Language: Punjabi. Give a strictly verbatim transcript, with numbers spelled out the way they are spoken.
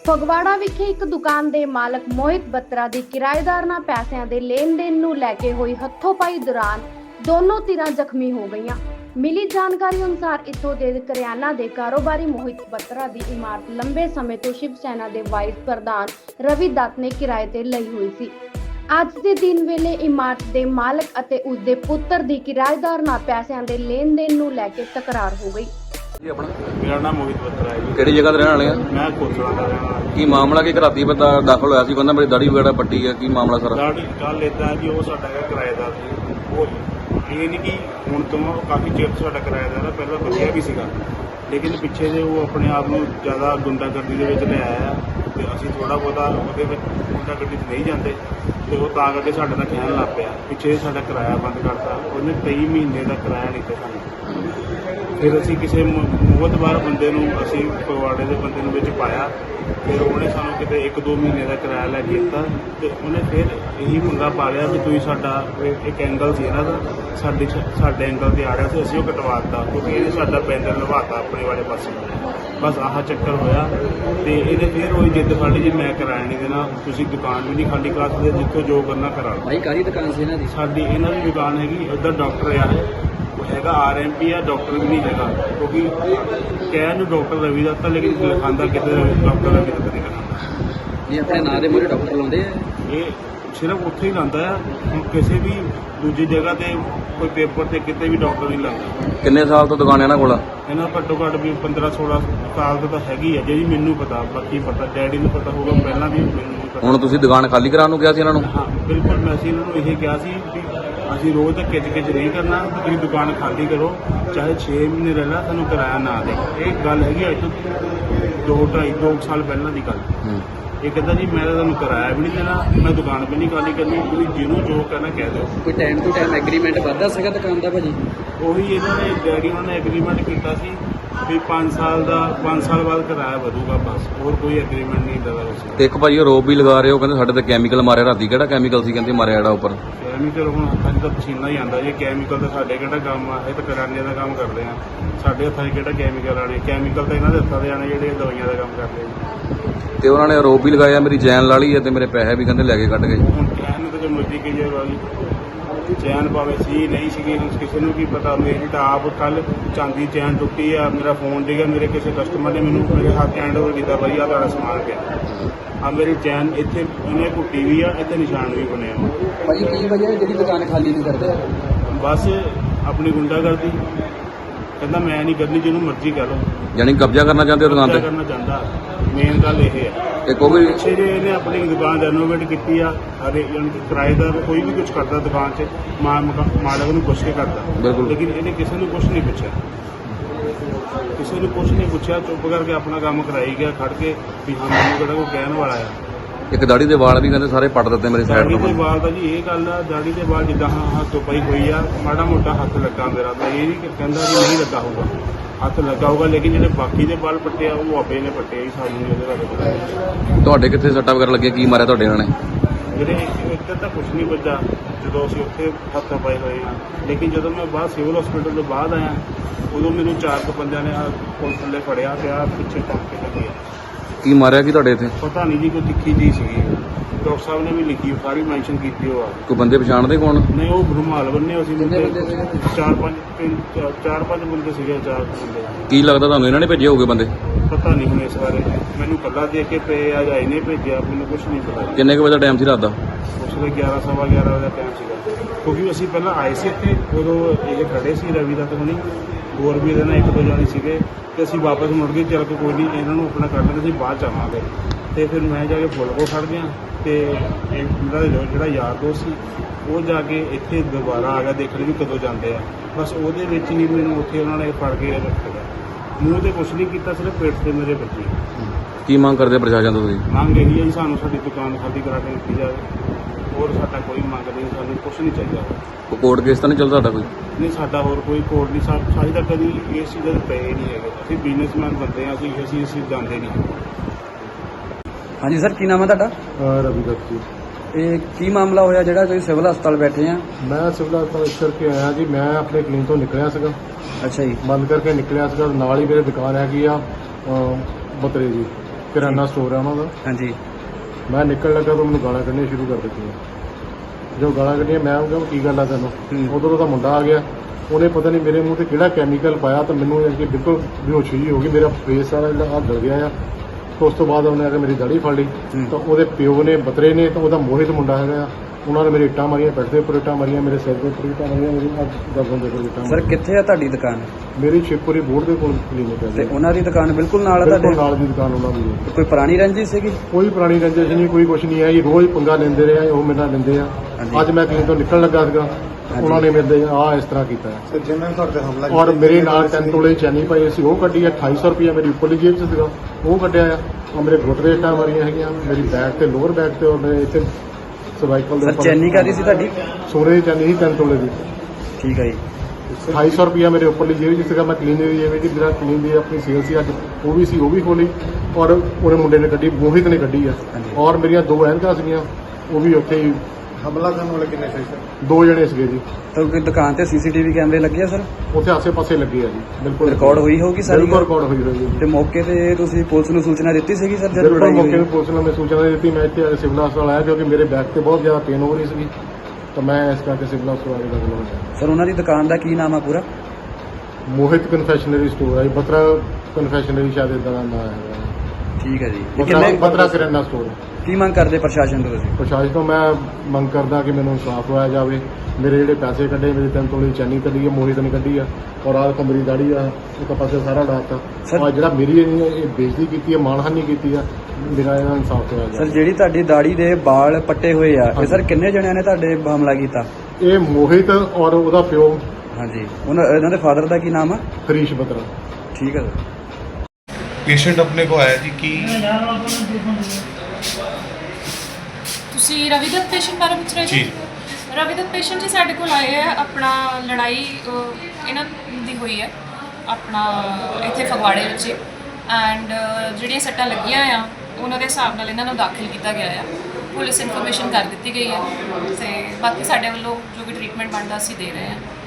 ਫਗਵਾੜਾ ਵਿਖੇ ਇੱਕ ਦੁਕਾਨ ਦੇ ਮਾਲਕ ਮੋਹਿਤ ਬੱਤਰਾ ਦੀ ਕਿਰਾਏਦਾਰ ਨਾਲ ਪੈਸਿਆਂ ਦੇ ਲੈਣ ਦੇਣ ਨੂੰ ਲੈ ਕੇ ਹੋਈ ਹੱਥੋਂ-ਪਾਈ ਦੌਰਾਨ ਦੋਨੋਂ ਧਿਰਾਂ ਜ਼ਖਮੀ ਹੋ ਗਈਆਂ। ਮਿਲੀ ਜਾਣਕਾਰੀ ਅਨੁਸਾਰ ਇੱਥੋਂ ਦੇ ਕਰਿਆਨਾ ਦੇ ਕਾਰੋਬਾਰੀ ਮੋਹਿਤ ਬੱਤਰਾ ਦੀ ਇਮਾਰਤ ਲੰਬੇ ਸਮੇਂ ਤੋਂ ਸ਼ਿਵ ਸੈਨਾ ਦੇ ਵਾਈਸ ਪ੍ਰਧਾਨ ਰਵੀ ਦੱਤ ਨੇ ਕਿਰਾਏ ਤੇ ਲਈ ਹੋਈ ਸੀ। ਅੱਜ ਦੇ ਦਿਨ ਵੇਲੇ ਇਮਾਰਤ ਦੇ ਮਾਲਕ ਅਤੇ ਉਸ ਦੇ ਪੁੱਤਰ ਦੀ ਕਿਰਾਏਦਾਰ ਨਾਲ ਪੈਸਿਆਂ ਦੇ ਲੈਣ ਦੇਣ ਨੂੰ ਲੈ ਕੇ ਤਕਰਾਰ ਹੋ ਗਈ। ਜੀ ਆਪਣਾ ਮੇਰਾ ਨਾਮ ਮੋਹਿਤ ਬੱਤਰਾ ਹੈ ਜੀ। ਕਿਹੜੀ ਜਗ੍ਹਾ ਤੇ ਰਹਿਣ ਵਾਲੇ ਆ? ਮੈਂ ਕੋਸਲਾ ਦਾ ਰਹਿਣ ਵਾਲਾ। ਕੀ ਮਾਮਲਾ ਕੀ ਘਰਾਤੀ ਬੰਦਾ ਦਾਖਲ ਹੋਇਆ ਸੀ, ਕਹਿੰਦਾ ਮੇਰੀ ਦਾੜੀ ਵਗੈਰਾ ਪੱਟੀ ਹੈ, ਕੀ ਮਾਮਲਾ ਸਾਰਾ? ਦਾੜੀ ਗੱਲ ਇਦਾਂ ਹੈ ਕਿ ਉਹ ਸਾਡਾ ਹੈਗਾ ਕਿਰਾਏਦਾਰ ਸੀ। ਉਹ ਇਹ ਨਹੀਂ ਕਿ ਹੁਣ ਤੋਂ ਕਾਫੀ ਚਿਰ ਤੋਂ ਸਾਡਾ ਕਿਰਾਏਦਾਰ ਹੈ, ਪਹਿਲਾਂ ਵਧੀਆ ਵੀ ਸੀਗਾ, ਲੇਕਿਨ ਪਿੱਛੇ ਜੇ ਉਹ ਆਪਣੇ ਆਪ ਨੂੰ ਜ਼ਿਆਦਾ ਗੁੰਡਾਗਰਦੀ ਦੇ ਵਿੱਚ ਲੈ ਆਇਆ ਤੇ ਅਸੀਂ ਥੋੜਾ ਬਹੁਤਾ ਉਹਦੇ ਵਿੱਚ ਗੁੰਡਾਗਰਦੀ 'ਚ ਨਹੀਂ ਜਾਂਦੇ ਤੇ ਉਹ ਤਾਂ ਕਰਕੇ ਸਾਡੇ ਨਾਲ ਕਹਿਣ ਲੱਗ ਪਿਆ। ਪਿੱਛੇ ਸਾਡਾ ਕਿਰਾਇਆ ਬੰਦ ਕਰਤਾ, ਉਹਨੇ ਤੇਈ ਮਹੀਨੇ ਦਾ ਕਿਰਾਇਆ ਨਹੀਂ ਦਿੱਤਾ ਸਾਨੂੰ। ਫਿਰ ਅਸੀਂ ਕਿਸੇ ਮੋਹਤਬਾਰ ਬੰਦੇ ਨੂੰ ਅਸੀਂ ਫਗਵਾੜੇ ਦੇ ਬੰਦੇ ਨੂੰ ਵਿੱਚ ਪਾਇਆ, ਫਿਰ ਉਹਨੇ ਸਾਨੂੰ ਕਿਤੇ ਇੱਕ ਦੋ ਮਹੀਨੇ ਦਾ ਕਿਰਾਇਆ ਲੈ ਕੇ ਦਿੱਤਾ ਤੇ ਉਹਨੇ ਫਿਰ ਇਹੀ ਮੁੰਡਾ ਪਾ ਲਿਆ ਵੀ ਤੁਸੀਂ ਸਾਡਾ ਇੱਕ ਐਂਗਲ ਸੀ ਇਹਨਾਂ ਦਾ, ਸਾਡੇ ਸਾਡੇ ਐਂਗਲ ਤੇ ਆ ਰਿਹਾ ਸੀ, ਅਸੀਂ ਉਹ ਕਟਵਾ ਦਿੱਤਾ ਕਿਉਂਕਿ ਇਹਨੇ ਸਾਡਾ ਪੈਂਡਲ ਲਵਾਤਾ ਆਪਣੇ ਵਾਲੇ ਪਾਸੇ। ਬਸ ਆਹ ਚੱਕਰ ਹੋਇਆ ਤੇ ਇਹਨੇ ਫਿਰ ਉਹੀ ਜਿੱਦ ਫੜੀ ਜੀ ਮੈਂ ਕਿਰਾਇਆ ਨਹੀਂ ਦੇਣਾ, ਤੁਸੀਂ ਦੁਕਾਨ ਵੀ ਨਹੀਂ ਖਾਲੀ ਕਰਾ ਸਕਦੇ, ਜਿੱਥੋਂ ਜੋ ਕਰਨਾ ਕਰਾ ਲਓ। ਭਾਈ ਕਾਹਦੀ ਦੁਕਾਨ ਸੀ ਇਹਨਾਂ ਦੀ? ਸਾਡੀ ਇਹਨਾਂ ਦੀ ਦੁਕਾਨ ਹੈਗੀ, ਉੱਧਰ ਡਾਕਟਰ ਆ ਹੈਗਾ ਆਰ ਐਮ ਪੀ ਆ, ਡਾਕਟਰ ਵੀ ਨਹੀਂ ਹੈਗਾ ਕਿਉਂਕਿ ਕਹਿਣ ਨੂੰ ਡਾਕਟਰ ਰਵੀ ਦੱਤ, ਲੇਕਿਨ ਲਿਖਾਂਦਾ ਕਿਤੇ ਡਾਕਟਰ ਰਵੀ ਦੱਤ ਨਹੀਂ ਲਿਖਾਂਦਾ। ਇਹ ਆਪਣੇ ਨਾਂ ਦੇ ਮੂਹਰੇ ਡਾਕਟਰ ਲਾਉਂਦੇ ਆ? ਇਹ ਸਿਰਫ ਉੱਥੇ ਹੀ ਲਾਉਂਦਾ ਆ, ਕਿਸੇ ਵੀ ਦੂਜੀ ਜਗ੍ਹਾ ਤੇ ਕੋਈ ਪੇਪਰ ਤੇ ਕਿਤੇ ਵੀ ਡਾਕਟਰ ਨਹੀਂ ਲਾਉਂਦਾ। ਕਿੰਨੇ ਸਾਲ ਤੋਂ ਦੁਕਾਨ ਇਹਨਾਂ ਕੋਲ? ਇਹਨਾਂ ਘੱਟੋ ਘੱਟ ਵੀ ਪੰਦਰਾਂ ਸੋਲਾਂ ਸਾਲ ਤੋਂ ਤਾਂ ਹੈਗੀ ਹੈ ਜਿਹੜੀ ਮੈਨੂੰ ਪਤਾ, ਬਾਕੀ ਪਤਾ ਡੈਡੀ ਨੂੰ ਪਤਾ ਹੋਊਗਾ, ਪਹਿਲਾਂ ਵੀ ਮੈਨੂੰ ਨਹੀਂ ਪਤਾ। ਹੁਣ ਤੁਸੀਂ ਦੁਕਾਨ ਖਾਲੀ ਕਰਾਉਣ ਨੂੰ ਕਿਹਾ ਸੀ ਇਹਨਾਂ ਨੂੰ? ਹਾਂ ਬਿਲਕੁਲ, ਮੈਂ ਅਸੀਂ ਇਹਨਾਂ ਨੂੰ ਇਹ ਕਿਹਾ ਸੀ ਵੀ ਅਸੀਂ ਰੋਜ਼ ਤੱਕ ਕਿਚ ਕਿਚ ਨਹੀਂ ਕਰਨਾ, ਤੁਸੀਂ ਦੁਕਾਨ ਖਾਲੀ ਕਰੋ, ਚਾਹੇ ਛੇ ਮਹੀਨੇ ਰਹਿਣਾ, ਤੁਹਾਨੂੰ ਕਿਰਾਇਆ ਨਾ ਦੇ। ਇਹ ਗੱਲ ਹੈਗੀ ਅੱਜ ਤੋਂ ਦੋ ਢਾਈ ਦੋ ਸਾਲ ਪਹਿਲਾਂ ਦੀ ਗੱਲ। ਇਹ ਕਹਿੰਦਾ ਜੀ ਮੈਂ ਤੁਹਾਨੂੰ ਕਿਰਾਇਆ ਵੀ ਨਹੀਂ ਦੇਣਾ, ਮੈਂ ਦੁਕਾਨ ਵੀ ਨਹੀਂ ਖਾਲੀ ਕਰਨੀ, ਤੁਸੀਂ ਜਿਹਨੂੰ ਜੋ ਕਹਿਣਾ ਕਹਿ ਦਿਓ। ਕੋਈ ਟਾਈਮ ਟੂ ਟਾਈਮ ਐਗਰੀਮੈਂਟ ਵੱਧਦਾ ਸੀਗਾ ਦੁਕਾਨ ਦਾ ਭਾਜੀ? ਉਹੀ ਇਹਨਾਂ ਨੇ ਡੈਡੀ ਉਹਨਾਂ ਨੇ ਐਗਰੀਮੈਂਟ ਕੀਤਾ ਸੀ ਵੀ ਪੰਜ ਸਾਲ ਦਾ ਪੰਜ ਸਾਲ ਬਾਅਦ ਕਿਰਾਇਆ ਵਧੂਗਾ, ਬਸ ਹੋਰ ਕੋਈ ਐਗਰੀਮੈਂਟ ਨਹੀਂ ਦਦਾ ਉਸ। ਤੇ ਇੱਕ ਭਾਜੀ ਰੋਬ ਵੀ ਲਗਾ ਰਹੇ ਹੋ, ਕਹਿੰਦੇ ਸਾਡੇ ਤੇ ਕੈਮੀਕਲ ਮਾਰਿਆ ਰਾਤੀ। ਕਿਹੜਾ ਕੈਮੀਕਲ ਸੀ ਕਹਿੰਦੇ ਮਾਰਿਆ ਜਿਹੜਾ ਉੱਪਰ? ਕੈਮੀਕਲ ਹੁਣ ਹੱਥਾਂ 'ਚ ਤਾਂ ਪਸੀਨਾ ਹੀ ਆਉਂਦਾ ਜੀ, ਕੈਮੀਕਲ ਤਾਂ ਸਾਡੇ ਕਿਹੜਾ ਕੰਮ ਆ, ਇਹ ਤਾਂ ਕਰਿਆਨੇ ਦਾ ਕੰਮ ਕਰਦੇ ਆ, ਸਾਡੇ ਹੱਥਾਂ 'ਚ ਕਿਹੜਾ ਕੈਮੀਕਲ ਆਣੇ? ਕੈਮੀਕਲ ਤਾਂ ਇਹਨਾਂ ਦੇ ਹੱਥਾਂ ਦੇ ਆਣੇ ਜਿਹੜੇ ਦਵਾਈਆਂ ਦਾ ਕੰਮ ਕਰਦੇ ਆ। ਤੇ ਉਹਨਾਂ ਨੇ ਆਰੋਪ ਵੀ ਲਗਾਇਆ ਮੇਰੀ ਚੈਨ ਲਾ ਲਈ ਹੈ ਤੇ ਮੇਰੇ ਪੈਸੇ ਵੀ ਕਹਿੰਦੇ ਲੈ ਕੇ ਕੱਢ ਗਏ। ਹੁਣ ਚੈਨ ਨੂੰ ਤਾਂ ਜੋ ਮਰਜ਼ੀ ਕਹੀ ਜਾਓ ਜੀ, ਚੈਨ ਭਾਵੇਂ ਸੀ ਨਹੀਂ ਸੀਗੀ, ਕਿਸੇ ਨੂੰ ਕੀ ਪਤਾ। ਮੇਰੀ ਤਾਂ ਆਪ ਕੱਲ ਚਾਂਦੀ ਚੈਨ ਟੁੱਟੀ ਆ, ਮੇਰਾ ਫੋਨ ਡਿੱਗਾ, ਮੇਰੇ ਕਿਸੇ ਕਸਟਮਰ ਨੇ ਮੈਨੂੰ ਮੇਰੇ ਹੱਥ ਹੈਂਡ ਓਵਰ ਕੀਤਾ, ਬਈ ਆ ਤੁਹਾਡਾ ਸਮਾਨ ਪਿਆ ਆ, ਮੇਰੀ ਚੈਨ ਇੱਥੇ ਇਹਨੇ ਘੁੱਟੀ ਵੀ ਆ, ਇੱਥੇ ਨਿਸ਼ਾਨ ਵੀ ਬਣਿਆ। ਭਾਜੀ ਕੀ ਵਜ੍ਹਾ ਜਿਹੜੀ ਦੁਕਾਨ ਖਾਲੀ ਨਹੀਂ ਕਰਦੇ? ਬਸ ਆਪਣੀ ਗੁੰਡਾਗਰਦੀ, ਕਹਿੰਦਾ ਮੈਂ ਨਹੀਂ ਕਰਨੀ, ਜਿਹਨੂੰ ਮਰਜ਼ੀ ਕਰ ਲਓ। ਯਾਨੀ ਕਬਜ਼ਾ ਕਰਨਾ ਚਾਹੁੰਦੇ ਹੋ ਦੁਕਾਨ ਤੇ? ਕਰਨਾ ਚਾਹੁੰਦਾ, ਮੇਨ ਗੱਲ ਇਹ ਹੈ। ਇੱਕ ਉਹ ਵੀ ਪਿੱਛੇ ਜੇ ਇਹਨੇ ਆਪਣੀ ਦੁਕਾਨ ਰੈਨੋਵੇਟ ਕੀਤੀ ਆ, ਹਰੇ ਯਾਨੀ ਕਿ ਕਿਰਾਏਦਾਰ ਕੋਈ ਵੀ ਕੁਝ ਕਰਦਾ ਦੁਕਾਨ 'ਚ ਮਾ- ਮਾਲਕ ਨੂੰ ਪੁੱਛ ਕੇ ਕਰਦਾ, ਬਿਲਕੁਲ। ਲੇਕਿਨ ਇਹਨੇ ਕਿਸੇ ਨੂੰ ਕੁਝ ਨਹੀਂ ਪੁੱਛਿਆ, ਕਿਸੇ ਨੂੰ ਕੁਝ ਨਹੀਂ ਪੁੱਛਿਆ, ਚੁੱਪ ਕਰਕੇ ਆਪਣਾ ਕੰਮ ਕਰਾਈ ਗਿਆ ਖੜ ਕੇ ਵੀ ਹਾਂ ਮੈਨੂੰ ਕਿਹੜਾ ਕੋਈ ਕਹਿਣ ਵਾਲਾ ਆ। ਇੱਕ ਦਾੜੀ ਦੇ ਵਾਲ ਵੀ ਕਹਿੰਦੇ ਸਾਰੇ ਪੱਟ ਦਿੱਤੇ ਮੇਰੇ ਸਾਈਡ ਦਾੜੀ ਤੋਂ। ਦੇ ਵਾਲ ਦਾ ਜੀ ਇਹ ਗੱਲ ਆ, ਦਾੜੀ ਦੇ ਵਾਲ ਜਿੱਦਾਂ ਹੱਥੋਂ ਪਾਈ ਹੋਈ ਆ, ਮਾੜਾ ਮੋਟਾ ਹੱਥ ਲੱਗਾ ਮੇਰਾ, ਤਾਂ ਇਹ ਨਹੀਂ ਕਹਿੰਦਾ ਵੀ ਨਹੀਂ ਲੱਗਾ ਹੋਊਗਾ, ਹੱਥ ਲੱਗਾ ਹੋਊਗਾ, ਲੇਕਿਨ ਜਿਹੜੇ ਬਾਕੀ ਦੇ ਵਾਲ ਪੱਟੇ ਆ ਉਹ ਆਪੇ ਨੇ ਪੱਟੇ ਹੀ, ਸਾਨੂੰ ਨਹੀਂ ਉਹਦੇ ਬਾਰੇ ਪਤਾ। ਤੁਹਾਡੇ ਕਿੱਥੇ ਸੱਟਾਂ ਵਗੈਰਾ ਲੱਗੀਆਂ? ਕੀ ਮਾਰਿਆ ਤੁਹਾਡੇ ਇਹਨਾਂ ਨੇ? ਜਿਹੜੇ ਇੱਧਰ ਤਾਂ ਕੁਝ ਨਹੀਂ ਵੱਜਾ ਜਦੋਂ ਅਸੀਂ ਉੱਥੇ ਹੱਥ ਪਾਏ ਹੋਏ ਆ, ਲੇਕਿਨ ਜਦੋਂ ਮੈਂ ਬਾਹਰ ਸਿਵਲ ਹਸਪੀਟਲ ਤੋਂ ਬਾਅਦ ਆਇਆ ਉਦੋਂ ਮੈਨੂੰ ਚਾਰ ਕੁ ਬੰਦਿਆਂ ਨੇ ਪੁਲਿਸ ਥੱਲੇ ਫੜਿਆ ਪਿਆ, ਪਿੱਛੇ ਟੱਪ ਕੇ ਲੱਗੇ। ਕੀ ਮਾਰਿਆ ਕੀ ਤੁਹਾਡੇ ਇੱਥੇ? ਪਤਾ ਨਹੀਂ ਜੀ, ਕੋਈ ਤਿੱਖੀ ਜੀ ਸੀਗੀ, ਡਾਕਟਰ ਸਾਹਿਬ ਨੇ ਵੀ ਲਿਖੀ, ਸਾਰੀ ਮੈਂਸ਼ਨ ਕੀਤੀ ਉਹ ਆ। ਕੋਈ ਬੰਦੇ ਪਛਾਣਦੇ ਕੌਣ? ਨਹੀਂ ਉਹ ਰੁਮਾਲ ਬੰਨੇ ਅਸੀਂ ਚਾਰ ਪੰਜ ਤਿੰਨ ਚਾਰ ਪੰਜ ਬੰਦੇ ਸੀਗੇ, ਚਾਰ ਬੰਦੇ। ਕੀ ਲੱਗਦਾ ਤੁਹਾਨੂੰ ਇਹਨਾਂ ਨੇ ਭੇਜੇ ਹੋਗੇ ਬੰਦੇ? ਪਤਾ ਨਹੀਂ ਹੁਣ ਇਸ ਬਾਰੇ, ਮੈਨੂੰ ਕੱਲਾ ਦੇਖ ਕੇ ਪਏ ਆ ਜਾਂ ਇਹਨੇ ਭੇਜਿਆ, ਮੈਨੂੰ ਕੁਝ ਨਹੀਂ ਪਤਾ। ਕਿੰਨੇ ਕੁ ਵਜੇ ਦਾ ਟਾਈਮ ਸੀ ਰਾਤ ਦਾ? ਉਸ ਵੇਲੇ ਗਿਆਰਾਂ ਸਵਾ ਗਿਆਰਾਂ ਵਜੇ ਦਾ ਟਾਈਮ ਸੀਗਾ, ਕਿਉਂਕਿ ਅਸੀਂ ਪਹਿਲਾਂ ਆਏ ਸੀ ਇੱਥੇ, ਉਦੋਂ ਇਹ ਖੜੇ ਸੀ ਰਵੀ ਦੱਤ ਹੁਣੀ, ਹੋਰ ਵੀ ਇਹਦੇ ਨਾਲ ਇੱਕ ਦੋ ਜਾਣੇ ਸੀਗੇ, ਤੇ ਅਸੀਂ ਵਾਪਸ ਮੁੜ ਗਏ, ਚੱਲ ਕੇ ਕੋਈ ਨਹੀਂ ਇਹਨਾਂ ਨੂੰ ਆਪਣਾ ਕੱਢ ਲੈਂਦੇ, ਅਸੀਂ ਬਾਅਦ 'ਚ ਆਵਾਂਗੇ। ਤੇ ਫਿਰ ਮੈਂ ਜਾ ਕੇ ਫੁੱਲ ਕੋ ਖੜ ਗਿਆ ਤੇ ਮੇਰਾ ਜਿਹੜਾ ਯਾਰ ਦੋਸਤ ਸੀ ਉਹ ਜਾ ਕੇ ਇੱਥੇ ਦੁਬਾਰਾ ਆ ਗਿਆ ਦੇਖਣ ਵੀ ਕਦੋਂ ਜਾਂਦੇ ਆ, ਬਸ ਉਹਦੇ ਵਿੱਚ ਨਹੀਂ ਮੈਨੂੰ ਉੱਥੇ ਉਹਨਾਂ ਨੇ ਫੜ ਕੇ ਰੱਖਿਆ, ਮੂੰਹ ਤੇ ਕੁਛ ਨਹੀਂ ਕੀਤਾ, ਸਿਰਫ ਪੇਟ ਤੇ ਮੇਰੇ ਬੱਚੇ। ਕੀ ਮੰਗ ਕਰਦੇ ਪ੍ਰਸ਼ਾਸਨ ਤੋਂ ਤੁਸੀਂ? ਮੰਗ ਇਹੀ ਹੈ ਜੀ, ਸਾਨੂੰ ਸਾਡੀ ਦੁਕਾਨ ਖਾਲੀ ਕਰਾ ਕੇ ਦਿੱਤੀ ਜਾਵੇ, ਹੋਰ ਸਾਡਾ ਕੋਈ ਮੰਗ ਨਹੀਂ, ਸਾਨੂੰ ਕੁਛ ਨਹੀਂ ਚਾਹੀਦਾ। ਕੋਈ ਕੋਰਟ ਕੇਸ ਤਾਂ ਨਹੀਂ ਚੱਲਦਾ ਤੁਹਾਡਾ ਕੋਈ? ਨਹੀਂ ਸਾਡਾ ਹੋਰ ਕੋਈ ਕੋਡ ਨਹੀਂ, ਸਾ ਸਾਡੀ ਤਾਂ ਕਦੀ ਇਸ ਚੀਜ਼ ਦੇ ਪਏ ਨਹੀਂ ਹੈਗੇ, ਅਸੀਂ ਬਿਜ਼ਨਸਮੈਨ ਬੰਦੇ ਹਾਂ, ਅਸੀਂ ਅਸੀਂ ਅਸੀਂ ਜਾਂਦੇ ਨਹੀਂ। ਹਾਂਜੀ ਸਰ, ਕੀ ਨਾਮ ਹੈ ਤੁਹਾਡਾ? ਰਵੀ ਦੱਤ ਜੀ। ਇਹ ਕੀ ਮਾਮਲਾ ਹੋਇਆ ਜਿਹੜਾ ਤੁਸੀਂ ਸਿਵਲ ਹਸਪਤਾਲ ਬੈਠੇ ਆ? ਮੈਂ ਸਿਵਲ ਹਸਪਤਾਲ ਇਸ ਕਰਕੇ ਆਇਆ ਜੀ, ਮੈਂ ਆਪਣੇ ਕਲੀਨ ਤੋਂ ਨਿਕਲਿਆ ਸੀਗਾ, ਅੱਛਾ ਜੀ। ਬੰਦ ਕਰਕੇ ਨਿਕਲਿਆ ਸੀਗਾ, ਨਾਲ ਹੀ ਮੇਰੇ ਦੁਕਾਨ ਹੈਗੀ ਆ ਬਤਰੇ ਜੀ, ਕਿਰਾਨਾ ਸਟੋਰ ਹੈ ਉਹਨਾਂ ਦਾ। ਹਾਂਜੀ ਮੈਂ ਨਿਕਲ ਲੱਗਾ ਤਾਂ ਮੈਨੂੰ ਗਾਲਾਂ ਕੱਢਣੀਆਂ ਸ਼ੁਰੂ ਕਰ ਦਿੱਤੀਆਂ। ਜੋ ਗਾਲਾਂ ਕੱਢੀਆਂ ਮੈਂ ਉਹ ਕਿਹਾ ਕੀ ਗੱਲ ਆ ਤੈਨੂੰ। ਹੂੰ। ਉਦੋਂ ਦਾ ਮੁੰਡਾ ਆ ਗਿਆ, ਉਹਨੇ ਪਤਾ ਨਹੀਂ ਮੇਰੇ ਮੂੰਹ ਤੇ ਕਿਹੜਾ ਕੈਮੀਕਲ ਪਾਇਆ ਤਾਂ ਮੈਨੂੰ ਇਹ ਕਿ ਬਿਲਕੁਲ ਬੇਹੋਸ਼ੀ ਜਿਹੀ ਹੋ ਗਈ। ਮੇਰਾ ਫੇਸ ਸਾਰਾ ਜਿਹੜਾ ਆ ਗਲ ਗਿਆ ਆ। ਉਸ ਤੋਂ ਬਾਅਦ ਉਹਨੇ ਆ ਕੇ ਮੇਰੀ ਦਾੜੀ ਫੜ ਲਈ ਹੂੰ। ਤਾਂ ਉਹਦੇ ਪਿਓ ਨੇ ਬਤਰੇ ਨੇ ਤਾਂ ਉਹਦਾ ਮੋਹਿਤ ਮੁੰਡਾ ਹੈਗਾ ਆ, ਉਹਨਾਂ ਨੇ ਮੇਰੇ ਇੱਟਾਂ ਮਾਰੀਆਂ, ਪਿੱਠ ਦੇ ਉੱਪਰ ਇੱਟਾਂ ਮਾਰੀਆਂ, ਮੇਰੇ ਸਿਰ ਦੇ ਉੱਪਰ ਇੱਟਾਂ ਮਾਰੀਆਂ, ਮੇਰੀ ਅੱਖ ਗਰਦਨ ਦੇ ਉੱਪਰ ਇੱਟਾਂ ਸਰ ਮਾਰੀਆਂ। ਕਿੱਥੇ ਆ ਤੁਹਾਡੀ ਦੁਕਾਨ? ਮੇਰੀ ਸ਼ਿਵਪੁਰੀ ਬੋਰਡ ਦੇ ਕੋਲ ਕਲੀਨਿਕ ਹੈ ਤੇ ਜੀ। ਉਹਨਾਂ ਦੀ ਦੁਕਾਨ ਬਿਲਕੁਲ ਨਾਲ ਆ ਬਿਲਕੁਲ ਤੁਹਾਡੇ? ਨਾਲ ਦੀ ਦੁਕਾਨ ਉਹਨਾਂ ਦੀ ਹੈ। ਕੋਈ ਪੁਰਾਣੀ ਰੰਜਿਸ਼ ਸੀਗੀ? ਕੋਈ ਪੁਰਾਣੀ ਰੰਜਿਸ਼ ਨਹੀਂ, ਕੋਈ ਕੁਛ ਨਹੀਂ ਹੈ ਜੀ। ਰੋਜ਼ ਪੰਗਾ ਲੈਂਦੇ ਰਹੇ ਆ, ਉਹ ਮੇਰੇ ਨਾਲ ਲੈਂਦੇ ਆ। ਹਾਂਜੀ। ਅੱਜ ਮੈਂ ਕਲੀਨਿਕ ਤੋਂ ਨਿਕਲਣ ਲੱਗਾ ਸੀਗਾ, ਉਹਨਾਂ ਨੇ ਮੇਰੇ ਆ ਇਸ ਤਰ੍ਹਾਂ ਕੀਤਾ ਹੈ। ਤੇ ਜਿਨ੍ਹਾਂ ਨੇ ਤੁਹਾਡੇ ਤੇ ਹਮਲਾ ਔਰ ਮੇਰੇ ਨਾਲ ਤਿੰਨ ਤੋਲੇ ਚੈਨੀ ਪਾਈ ਸੀ, ਉਹ ਕੱਢੀ ਆ। ਅਠਾਈ ਸੌ ਰੁਪਇਆ ਮੇਰੀ ਉੱਪਰਲੀ ਜੇਬ 'ਚ ਸੀਗਾ, ਉਹ ਕੱਢਿਆ ਆ। ਔਰ ਮੇਰੇ ਘੁੱਟਦੇ ਇੱਟਾਂ ਮਾਰੀਆਂ ਹੈਗੀਆਂ, ਮੇਰੀ ਬੈਕ ਤੇ ਲੋਅਰ ਬੈਕ ਤੇ, ਔਰ ਮੇਰੇ ਇੱਥੇ ਸਰਵਾਈਕਲ ਦੇ ਸਰ ਚੈਨੀ ਕਾਹਦੀ ਸੀ ਤੁਹਾਡੀ? ਸੋਨੇ ਦੀ ਚੈਨੀ ਸੀ ਤਿੰਨ ਤੋਲੇ ਦੀ। ਠੀਕ ਹੈ ਜੀ। ਅਠਾਈ ਸੌ ਰੁਪਇਆ ਮੇਰੇ ਉੱਪਰਲੀ ਜੇਬ 'ਚ ਸੀਗਾ। ਮੈਂ ਕਲੀਨ ਦੀ ਜੇਬ ਵਿੱਚ ਮੇਰਾ ਕਲੀਨ ਦੀ ਆਪਣੀ ਸੇਲ ਸੀ ਅੱਜ, ਉਹ ਵੀ ਸੀ, ਉਹ ਵੀ ਖੋਲੀ। ਔਰ ਉਹਨੇ ਮੁੰਡੇ ਨੇ ਕੱਢੀ, ਮੋਹਿਤ ਨੇ ਕੱਢੀ ਆ। ਹਾਂਜੀ। ਔਰ ਮੇਰੀਆਂ ਦੋ ਐਨਕਾਂ ਸੀਗੀਆਂ, ਉਹ ਵੀ ਉੱਥੇ ਹੀ। ਹਮਲਾ ਕਰਨ ਵਾਲੇ ਕਿੰਨੇ ਸੀ ਸਰ? ਦੋ ਜਣੇ ਸੀਗੇ ਜੀ। ਤਾਂ ਕੋਈ ਦੁਕਾਨ ਤੇ ਸੀਸੀਟੀਵੀ ਕੈਮਰੇ ਲੱਗੇ ਆ ਸਰ? ਉੱਥੇ ਆਸੇ-ਪਾਸੇ ਲੱਗੇ ਆ ਜੀ। ਬਿਲਕੁਲ ਰਿਕਾਰਡ ਹੋਈ ਹੋਊਗੀ ਸਾਰੀ ਬਿਲਕੁਲ ਗੱਲ? ਰਿਕਾਰਡ ਹੋਈ ਹੋਈ ਹੈ। ਤੇ ਮੌਕੇ ਤੇ ਤੁਸੀਂ ਪੁਲਿਸ ਨੂੰ ਸੂਚਨਾ ਦਿੱਤੀ ਸੀਗੀ ਸਰ ਜਦ ਬਿਲਕੁਲ ਲੜਾਈ ਮੌਕੇ ਹੋਈ? ਨੂੰ ਪੁਲਿਸ ਨੂੰ ਮੈਂ ਸੂਚਨਾ ਦੇ ਦਿੱਤੀ। ਮੈਂ ਇੱਥੇ ਆ ਕੇ ਸਿਵਲ ਹਸਪਤਾਲ ਆਇਆ ਕਿਉਂਕਿ ਮੇਰੇ ਬੈਕ ਤੇ ਬਹੁਤ ਜ਼ਿਆਦਾ ਪੇਨ ਹੋ ਰਹੀ ਸੀਗੀ, ਤਾਂ ਮੈਂ ਇਸ ਕਰਕੇ ਸਿਵਲ ਹਸਪਤਾਲ ਆ ਕੇ ਦਾਖਲ ਹੋ ਗਿਆ। ਸਰ ਉਹਨਾਂ ਦੀ ਦੁਕਾਨ ਦਾ ਕੀ ਨਾਮ ਆ ਪੂਰਾ? ਮੋਹਿਤ ਕਨਫੈਸ਼ਨਰੀ ਸਟੋਰ ਹੈ ਜੀ, ਬਤਰਾ ਕਨਫੈਸ਼ਨਰੀ ਸ਼ਾਇਦ ਇਦਾਂ ਦਾ ਨਾਮ ਹੈਗਾ। ਠੀਕ ਹੈ ਜੀ। ਇਹ ਬਤਰਾ ਕਿੰਨੇ ਬਤਰਾ ਕਿਰਾਨਾ ਸਟੋਰ। ਕੀ ਮੰਗ ਕਰਦੇ ਪ੍ਰਸ਼ਾਸਨ ਤੋਂ ਤੁਸੀਂ? ਪ੍ਰਸ਼ਾਸਨ ਤੋਂ ਮੈਂ ਮੰਗ ਕਰਦਾ ਕਿ ਮੈਨੂੰ ਇਨਸਾਫ ਹੋਇਆ ਜਾਵੇ। ਮੇਰੇ ਜਿਹੜੇ ਪੈਸੇ ਕੱਢੇ, ਮੇਰੀ ਤਿੰਨ ਤੋਲੇ ਦੀ ਚੈਨੀ ਕੱਢੀ ਹੈ, ਮੋਹਿਤ ਨੇ ਕੱਢੀ ਆ। ਔਰ ਆਹ ਦੇਖੋ ਮੇਰੀ ਦਾੜੀ ਆ, ਇੱਕ ਪਾਸੇ ਸਾਰਾ ਡਾਤਾ। ਸਰ- ਔਰ ਜਿਹੜਾ ਮੇਰੀ ਇਹ ਇਹ ਬੇਇੱਜ਼ਤੀ ਕੀਤੀ ਹੈ, ਮਾਣਹਾਨੀ ਕੀਤੀ ਆ, ਮੇਰਾ ਇਹਦਾ ਇਨਸਾਫ ਹੋਇਆ ਸਰ ਜਾਵੇ। ਜਿਹੜੀ ਤੁਹਾਡੀ ਦਾੜੀ ਦੇ ਵਾਲ ਪੱਟੇ ਹੋਏ ਆ, ਇਹ ਹਾਂਜੀ। ਸਰ ਕਿੰਨੇ ਜਣਿਆਂ ਨੇ ਤੁਹਾਡੇ ਹਮਲਾ ਕੀਤਾ? ਇਹ ਮੋਹਿਤ ਔਰ ਉਹਦਾ ਪਿਓ ਹਾਂਜੀ। ਉਹਨਾਂ ਇਹਨਾਂ ਦੇ ਫਾਦਰ ਦਾ ਕੀ ਨਾਮ ਆ? ਹਰੀਸ਼ ਬਤਰਾ। ਠੀਕ ਹੈ ਸਰ। ਪੇਸ਼ੈਂਟ ਆਪਣੇ ਕੋ ਆਇਆ ਜੀ ਕਿ ਤੁਸੀਂ ਰਵੀਦਤ ਪੇਸ਼ੈਂਟ ਬਾਰੇ ਪੁੱਛ ਰਹੇ ਜੀ। ਰਵੀਦਤ ਪੇਸ਼ੈਂਟ ਜੀ ਸਾਡੇ ਕੋਲ ਆਏ ਆ। ਆਪਣਾ ਲੜਾਈ ਅਹ, ਇਹਨਾਂ ਦੀ ਹੋਈ ਹੈ ਆਪਣਾ ਇੱਥੇ ਫਗਵਾੜੇ ਵਿੱਚ ਐਂਡ ਜਿਹੜੀਆਂ ਸੱਟਾਂ ਲੱਗੀਆਂ ਆ ਉਹਨਾਂ ਦੇ ਹਿਸਾਬ ਨਾਲ ਇਹਨਾਂ ਨੂੰ ਦਾਖਲ ਕੀਤਾ ਗਿਆ ਆ। ਪੁਲਿਸ ਇਨਫੋਰਮੇਸ਼ਨ ਕਰ ਦਿੱਤੀ ਗਈ ਹੈ ਤੇ ਬਾਕੀ ਸਾਡੇ ਵੱਲੋਂ ਜੋ ਵੀ ਟ੍ਰੀਟਮੈਂਟ ਬਣਦਾ ਅਸੀਂ ਦੇ ਰਹੇ ਹਾਂ।